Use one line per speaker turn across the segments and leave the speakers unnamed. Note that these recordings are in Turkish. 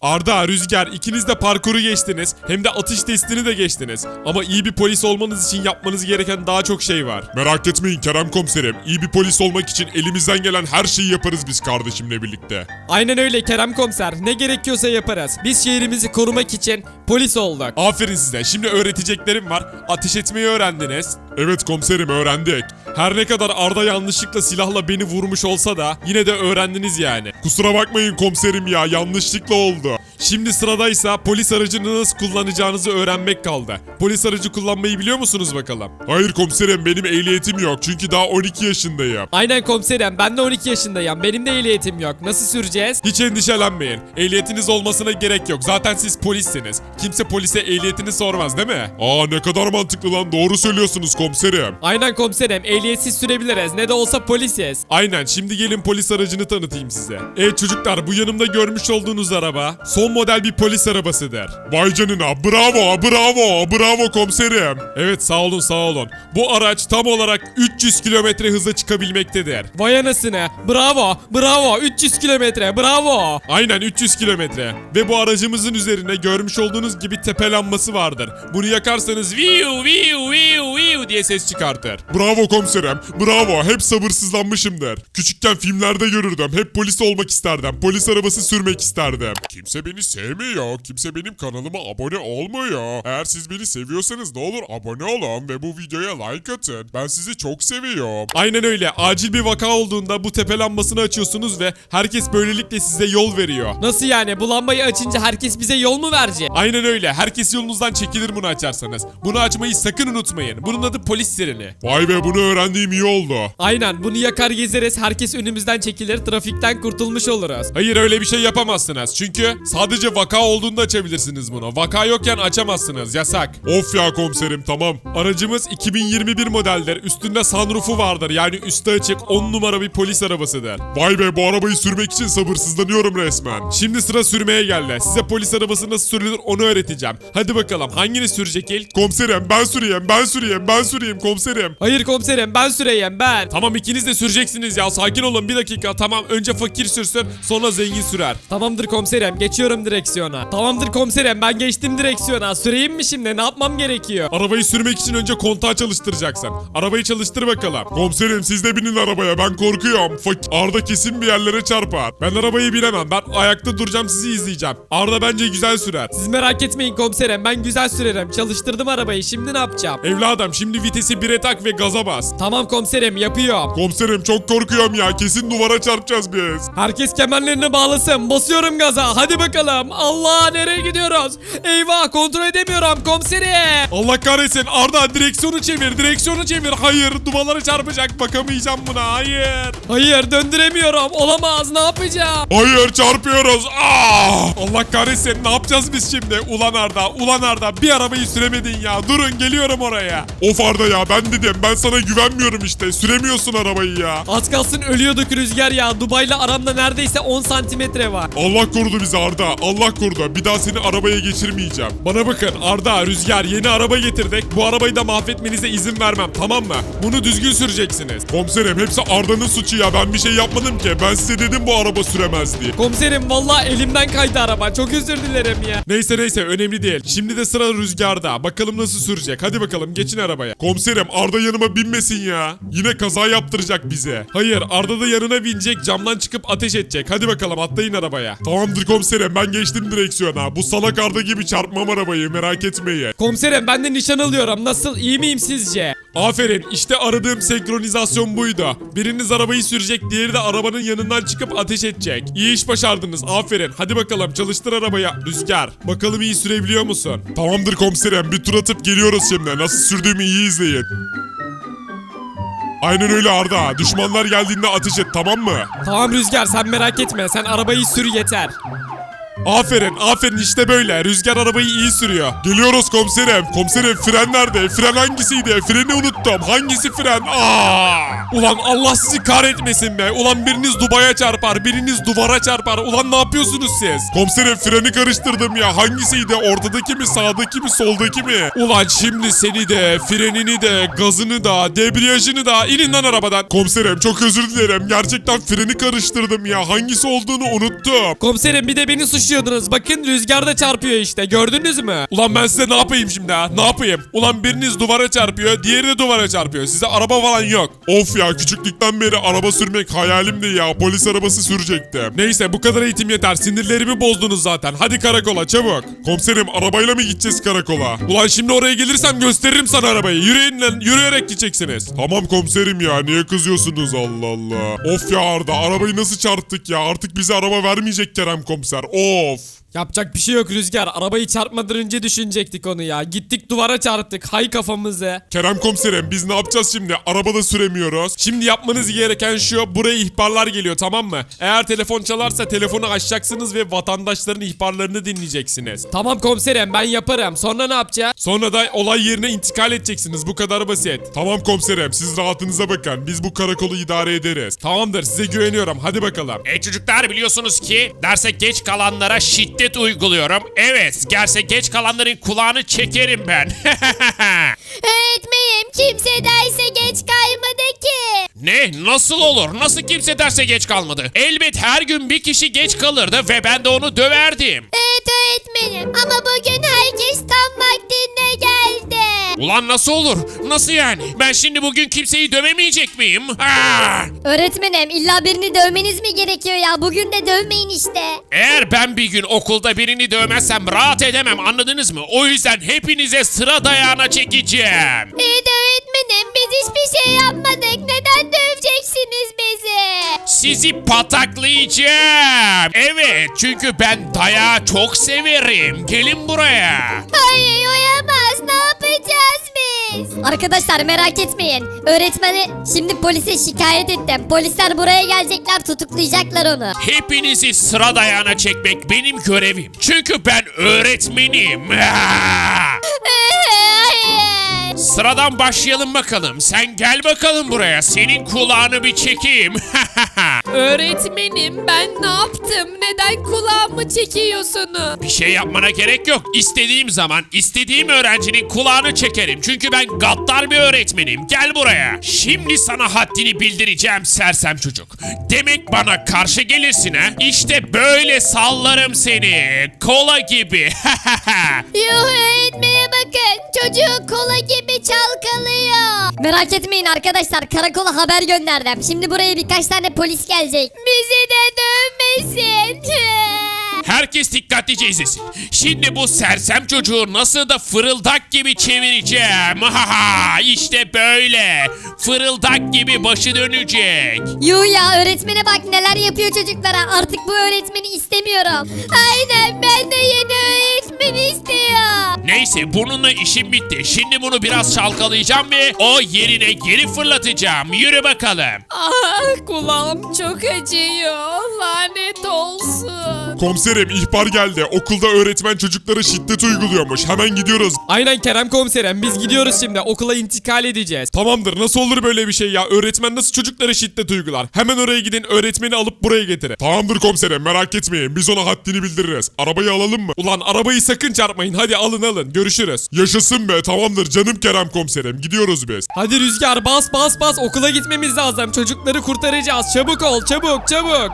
Arda, Rüzgar, ikiniz de parkuru geçtiniz. Hem de atış testini de geçtiniz. Ama iyi bir polis olmanız için yapmanız gereken daha çok şey var.
Merak etmeyin Kerem komiserim. İyi bir polis olmak için elimizden gelen her şeyi yaparız biz kardeşimle birlikte.
Aynen öyle Kerem komiser. Ne gerekiyorsa yaparız. Biz şehrimizi korumak için polis olduk.
Aferin size. Şimdi öğreteceklerim var. Ateş etmeyi öğrendiniz.
Evet komiserim öğrendik.
Her ne kadar Arda yanlışlıkla silahla beni vurmuş olsa da yine de öğrendiniz yani.
Kusura bakmayın komiserim ya, yanlışlıkla oldu.
Şimdi sıradaysa polis aracını nasıl kullanacağınızı öğrenmek kaldı. Polis aracı kullanmayı biliyor musunuz bakalım?
Hayır komiserim, benim ehliyetim yok çünkü daha 12 yaşındayım.
Aynen komiserim, ben de 12 yaşındayım. Benim de ehliyetim yok. Nasıl süreceğiz?
Hiç endişelenmeyin. Ehliyetiniz olmasına gerek yok. Zaten siz polissiniz. Kimse polise ehliyetini sormaz değil mi?
Aa, ne kadar mantıklı lan, doğru söylüyorsunuz komiserim.
Aynen komiserim, ehliyetsiz sürebiliriz. Ne de olsa polisiz.
Aynen, şimdi gelin polis aracını tanıtayım size. Evet çocuklar, bu yanımda görmüş olduğunuz araba son model bir polis arabasıdır.
Vay canına, bravo bravo bravo komiserim.
Evet sağ olun sağ olun. Bu araç tam olarak 300 kilometre hıza çıkabilmektedir.
Vay anasını. Bravo, bravo. 300 kilometre, bravo.
Aynen 300 kilometre. Ve bu aracımızın üzerine görmüş olduğunuz gibi tepe lambası vardır. Bunu yakarsanız viu viu viu viu diye ses çıkartır.
Bravo komiserim, bravo, hep sabırsızlanmışımdır. Küçükken filmlerde görürdüm, hep polis olmak isterdim, polis arabası sürmek isterdim. Kimse beni sevmiyor, kimse benim kanalıma abone olmuyor. Eğer siz beni seviyorsanız ne olur abone olun ve bu videoya like atın. Ben sizi çok seviyorum.
Aynen öyle. Acil bir vaka olduğunda bu tepe lambasını açıyorsunuz ve herkes böylelikle size yol veriyor.
Nasıl yani? Bu lambayı açınca herkes bize yol mu verecek?
Aynen öyle. Herkes yolunuzdan çekilir bunu açarsanız. Bunu açmayı sakın unutmayın. Bunun adı polis sireni.
Vay be, bunu öğrendiğim iyi oldu.
Aynen, bunu yakar gezeriz, herkes önümüzden çekilir, trafikten kurtulmuş oluruz.
Hayır, öyle bir şey yapamazsınız. Çünkü sadece vaka olduğunda açabilirsiniz bunu. Vaka yokken açamazsınız. Yasak.
Of ya komiserim, tamam.
Aracımız 2021 modeldir. Üstünde sunroofu vardır. Yani üstü açık 10 numara bir polis arabasıdır.
Vay be, bu arabayı sürmek için sabırsızlanıyorum resmen.
Şimdi sıra sürmeye geldi. Size polis arabası nasıl sürülür onu öğreteceğim. Hadi bakalım, hanginiz sürecek ilk?
Komiserim ben süreyim komiserim.
Hayır komiserim, ben süreyim, ben.
Tamam, ikiniz de süreceksiniz ya. Sakin olun bir dakika. Tamam, önce fakir sürsün, sonra zengin sürer.
Tamamdır komiserim, geçiyorum direksiyona. Tamamdır komiserim, ben geçtim direksiyona. Süreyim mi şimdi? Ne yapmam gerekiyor?
Arabayı sürmek için önce kontağı çalıştıracaksın. Arabayı çalıştır bakalım.
Komiserim siz de binin arabaya, ben korkuyorum. Arda kesin bir yerlere çarpar.
Ben arabayı bilemem. Ben ayakta duracağım, sizi izleyeceğim. Arda bence güzel sürer.
Siz merak etmeyin komiserim, ben güzel sürerim. Çalıştırdım arabayı, şimdi ne yapacağım?
Evladım, şimdi vitesi 1'e tak ve gaza bas.
Tamam komiserim, yapıyorum.
Komiserim çok korkuyorum ya, kesin duvara çarpacağız biz.
Herkes kemerlerini bağlasın. Basıyorum gaza. Hadi bakalım. Allah, nereye gidiyoruz? Eyvah, kontrol edemiyorum komiserim.
Allah kahretsin. Arda, direksiyonu çevir. Direksiyonu çevir. Hayır, duvarlara çarpacak. Bakamayacağım buna. Hayır.
Hayır, döndüremiyorum. Olamaz, ne yapacağım?
Hayır, çarpıyoruz.
Allah kahretsin. Ne yapacağız biz şimdi? Ulan Arda. Ulan Arda. Bir arabayı süremedin ya. Durun, geliyorum oraya.
Of Arda ya, ben dedim, ben sana güvenmiyorum işte. Süremiyorsun arabayı ya.
Az kalsın ölüyorduk Rüzgar ya. Dubai'yle aramda neredeyse 10 santimetre var.
Allah korudu bizi Arda. Allah korudu. Bir daha seni arabaya geçirmeyeceğim.
Bana bakın Arda, Rüzgar, yeni araba getirdik. Bu arabayı da mahvetmenize izin vermem, tamam mı? Bunu düzgün süreceksiniz.
Komiserim hepsi Arda'nın suçu ya. Ben bir şey yapmadım ki. Ben size dedim bu araba süremez diye.
Komiserim vallahi elimden kaydı araba. Çok özür dilerim ya.
Neyse önemli değil. Şimdi de sıra Rüzgar'da. Bakalım nasıl sürecek. Hadi bakalım, geçin arabaya.
Komiserim Arda yanıma binmesin ya. Yine kaza yaptıracak bize.
Hayır, Arda da yanına binecek, camdan çıkıp ateş edecek. Hadi bakalım, atlayın arabaya.
Tamamdır komiserim, ben geçtim direksiyona. Bu salak Arda gibi çarpmam arabayı, merak etmeyin.
Komiserim ben de nişan alıyorum. Nasıl, iyi miyim sizce?
Aferin, işte aradığım senkronizasyon buydu. Biriniz arabayı sürecek, diğeri de arabanın yanından çıkıp ateş edecek. İyi iş başardınız, aferin. Hadi bakalım, çalıştır arabaya Rüzgar. Bakalım iyi sürebiliyor musun?
Tamamdır komiserim, bir tur atıp geliyoruz şimdi. Nasıl sürdüğümü iyi izleyin. Aynen öyle Arda. Düşmanlar geldiğinde ateş et, tamam mı?
Tamam Rüzgar, sen merak etme. Sen arabayı sür yeter.
Aferin işte böyle. Rüzgar arabayı iyi sürüyor.
Geliyoruz komiserim. Komiserim fren nerede? Fren hangisiydi? Freni unuttum. Hangisi fren?
Ulan Allah sizi kahretmesin be. Ulan biriniz Dubai'ye çarpar, biriniz duvara çarpar. Ulan ne yapıyorsunuz siz?
Komiserim freni karıştırdım ya. Hangisiydi? Ortadaki mi, sağdaki mi, soldaki mi?
Ulan şimdi seni de, frenini de, gazını da, debriyajını da inin lan arabadan.
Komiserim çok özür dilerim. Gerçekten freni karıştırdım ya. Hangisi olduğunu unuttum.
Komiserim bir de beni suçluyordunuz. Bakın Rüzgar da çarpıyor işte. Gördünüz mü?
Ulan ben size ne yapayım şimdi ha? Ne yapayım? Ulan biriniz duvara çarpıyor, diğeri de duvara çarpıyor. Size araba falan yok.
Of ya, küçüklükten beri araba sürmek hayalimdi ya. Polis arabası sürecektim.
Neyse bu kadar eğitim yeter. Sinirlerimi bozdunuz zaten. Hadi karakola çabuk.
Komiserim arabayla mı gideceğiz karakola?
Ulan şimdi oraya gelirsem gösteririm sana arabayı. Yürüyün lan, yürüyerek gideceksiniz.
Tamam komiserim ya, niye kızıyorsunuz Allah Allah. Of ya Arda, arabayı nasıl çarptık ya, artık bize araba vermeyecek Kerem komiser, of.
Yapacak bir şey yok Rüzgar. Arabayı çarpmadan önce düşünecektik onu ya. Gittik duvara çarptık. Hay kafamızı.
Kerem komiserim biz ne yapacağız şimdi, arabada süremiyoruz.
Şimdi yapmanız gereken şu, buraya ihbarlar geliyor, tamam mı? Eğer telefon çalarsa telefonu açacaksınız ve vatandaşların ihbarlarını dinleyeceksiniz.
Tamam komiserim ben yaparım. Sonra ne yapacağız?
Sonra da olay yerine intikal edeceksiniz, bu kadar basit.
Tamam komiserim, siz rahatınıza bakın, biz bu karakolu idare ederiz.
Tamamdır, size güveniyorum, hadi bakalım.
Çocuklar biliyorsunuz ki derse geç kalanlara şiddet uyguluyorum. Evet, derse geç kalanların kulağını çekerim ben.
Öğretmenim kimse derse geç kalmadı ki.
Ne? Nasıl olur? Nasıl kimse derse geç kalmadı? Elbet her gün bir kişi geç kalırdı ve ben de onu döverdim.
Evet öğretmenim ama bugün herkes tam vaktinde geldi.
Ulan nasıl olur? Nasıl yani? Ben şimdi bugün kimseyi dövemeyecek miyim? Aa!
Öğretmenim illa birini dövmeniz mi gerekiyor ya? Bugün de dövmeyin işte.
Eğer ben bir gün okulda birini dövmezsem rahat edemem, anladınız mı? O yüzden hepinize sıra dayağına çekeceğim.
İyi de öğretmenim biz hiçbir şey yapmadık. Neden döveceksiniz bizi?
Sizi pataklayacağım. Evet, çünkü ben dayağı çok severim. Gelin buraya.
Hayır oyamaz. Ne yapacağız biz? Arkadaşlar merak etmeyin. Öğretmeni şimdi polise şikayet ettim. Polisler buraya gelecekler, tutuklayacaklar onu.
Hepinizi sıra dayağına çekmek benim görevim. Çünkü ben öğretmenim. Ah!
Hayır.
Sıradan başlayalım bakalım. Sen gel bakalım buraya. Senin kulağını bir çekeyim.
Öğretmenim ben ne yaptım? Neden kulağımı çekiyorsunuz?
Bir şey yapmana gerek yok. İstediğim zaman istediğim öğrencinin kulağını çekerim. Çünkü ben gaddar bir öğretmenim. Gel buraya. Şimdi sana haddini bildireceğim sersem çocuk. Demek bana karşı gelirsin ha? İşte böyle sallarım seni. Kola gibi.
Yuh öğretmene bakın. Çocuğu kola gibi çalkalıyor. Merak etmeyin arkadaşlar. Karakola haber gönderdim. Şimdi buraya birkaç tane polis gelecek. Bizi de dövmesin.
Herkes dikkatlice izlesin. Şimdi bu sersem çocuğu nasıl da fırıldak gibi çevireceğim. İşte böyle. Fırıldak gibi başı dönecek.
Yuh ya öğretmene bak neler yapıyor çocuklara. Artık bu öğretmeni istemiyorum. Aynen ben de yeni öğretmen istiyorum.
Neyse bununla işim bitti. Şimdi bunu biraz çalkalayacağım ve o yerine geri fırlatacağım. Yürü bakalım.
Ah kulağım çok acıyor. Lanet olsun.
Komiserim ihbar geldi, okulda öğretmen çocuklara şiddet uyguluyormuş, hemen gidiyoruz.
Aynen Kerem komiserim biz gidiyoruz şimdi. Okula intikal edeceğiz.
Tamamdır, nasıl olur böyle bir şey ya? Öğretmen nasıl çocuklara şiddet uygular? Hemen oraya gidin, öğretmeni alıp buraya getirin.
Tamamdır komiserim, merak etmeyin, biz ona haddini bildiririz. Arabayı alalım mı?
Ulan arabayı sakın çarpmayın, hadi alın görüşürüz.
Yaşasın be, tamamdır canım Kerem komiserim, gidiyoruz biz.
Hadi Rüzgar bas bas bas okula gitmemiz lazım. Çocukları kurtaracağız. Çabuk ol çabuk çabuk.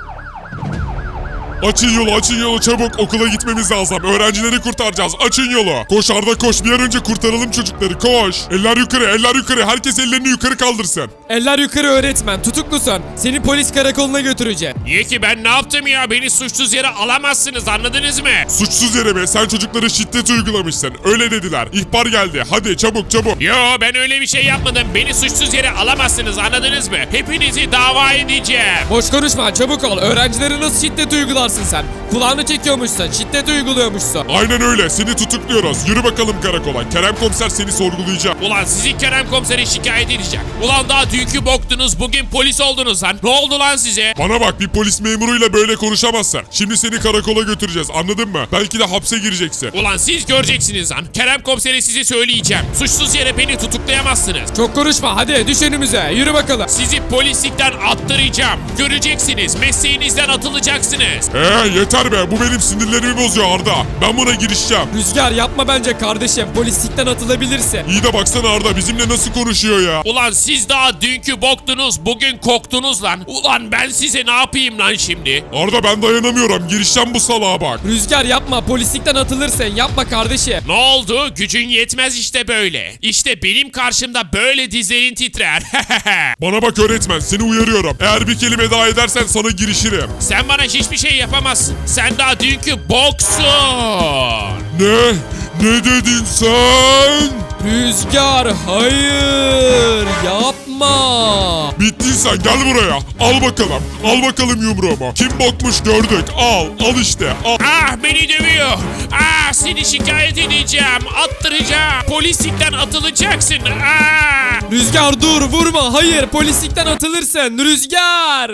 Açın yolu çabuk, okula gitmemiz lazım. Öğrencileri kurtaracağız, açın yolu. Koş Arda koş, bir an önce kurtaralım çocukları, koş. Eller yukarı, herkes ellerini yukarı kaldırsın.
Eller yukarı öğretmen tutuklusun. Seni polis karakoluna götüreceğim.
Niye ki ben ne yaptım ya? Beni suçsuz yere alamazsınız, anladınız mı?
Suçsuz yere mi? Sen çocuklara şiddet uygulamışsın, öyle dediler. İhbar geldi, hadi çabuk.
Yo ben öyle bir şey yapmadım. Beni suçsuz yere alamazsınız, anladınız mı? Hepinizi dava edeceğim.
Boş konuşma çabuk ol. Öğrencilere nasıl şiddet uygularsın varsın sen. Kulağını çekiyormuşsun. Şiddet uyguluyormuşsun.
Aynen öyle. Seni tutukluyoruz. Yürü bakalım karakola. Kerem komiser seni sorgulayacak.
Ulan sizi Kerem komisere şikayet edeceğim. Ulan daha dünkü boktunuz, bugün polis oldunuz lan. Ne oldu lan size?
Bana bak, bir polis memuruyla böyle konuşamazsın. Şimdi seni karakola götüreceğiz, anladın mı? Belki de hapse gireceksin.
Ulan siz göreceksiniz lan. Kerem komisere size söyleyeceğim. Suçsuz yere beni tutuklayamazsınız.
Çok konuşma, hadi düş önümüze. Yürü bakalım.
Sizi polislikten attıracağım. Göreceksiniz. Mesleğinizden atılacaksınız.
Yeter be, bu benim sinirlerimi bozuyor Arda. Ben buna girişeceğim.
Rüzgar yapma bence kardeşim. Polislikten atılabilirsin.
İyi de baksana Arda, bizimle nasıl konuşuyor ya.
Ulan siz daha dünkü boktunuz, bugün koktunuz lan. Ulan ben size ne yapayım lan şimdi?
Arda ben dayanamıyorum, girişeceğim bu salağa bak.
Rüzgar yapma, polislikten atılırsın. Yapma kardeşim.
Ne oldu? Gücün yetmez işte böyle. İşte benim karşımda böyle dizlerin titrer.
Bana bak öğretmen, seni uyarıyorum. Eğer bir kelime daha edersen sana girişirim.
Sen bana hiçbir şey yapamazsın. Sen daha dünkü boksun.
Ne? Ne dedin sen?
Rüzgar hayır yapma.
Bittin sen, gel buraya. Al bakalım. Al bakalım yumruğumu. Kim bokmuş gördük. Al işte. Al.
Ah beni dövüyor. Ah seni şikayet edeceğim. Attıracağım. Polislikten atılacaksın. Ah.
Rüzgar dur, vurma, hayır, polislikten atılırsın Rüzgar.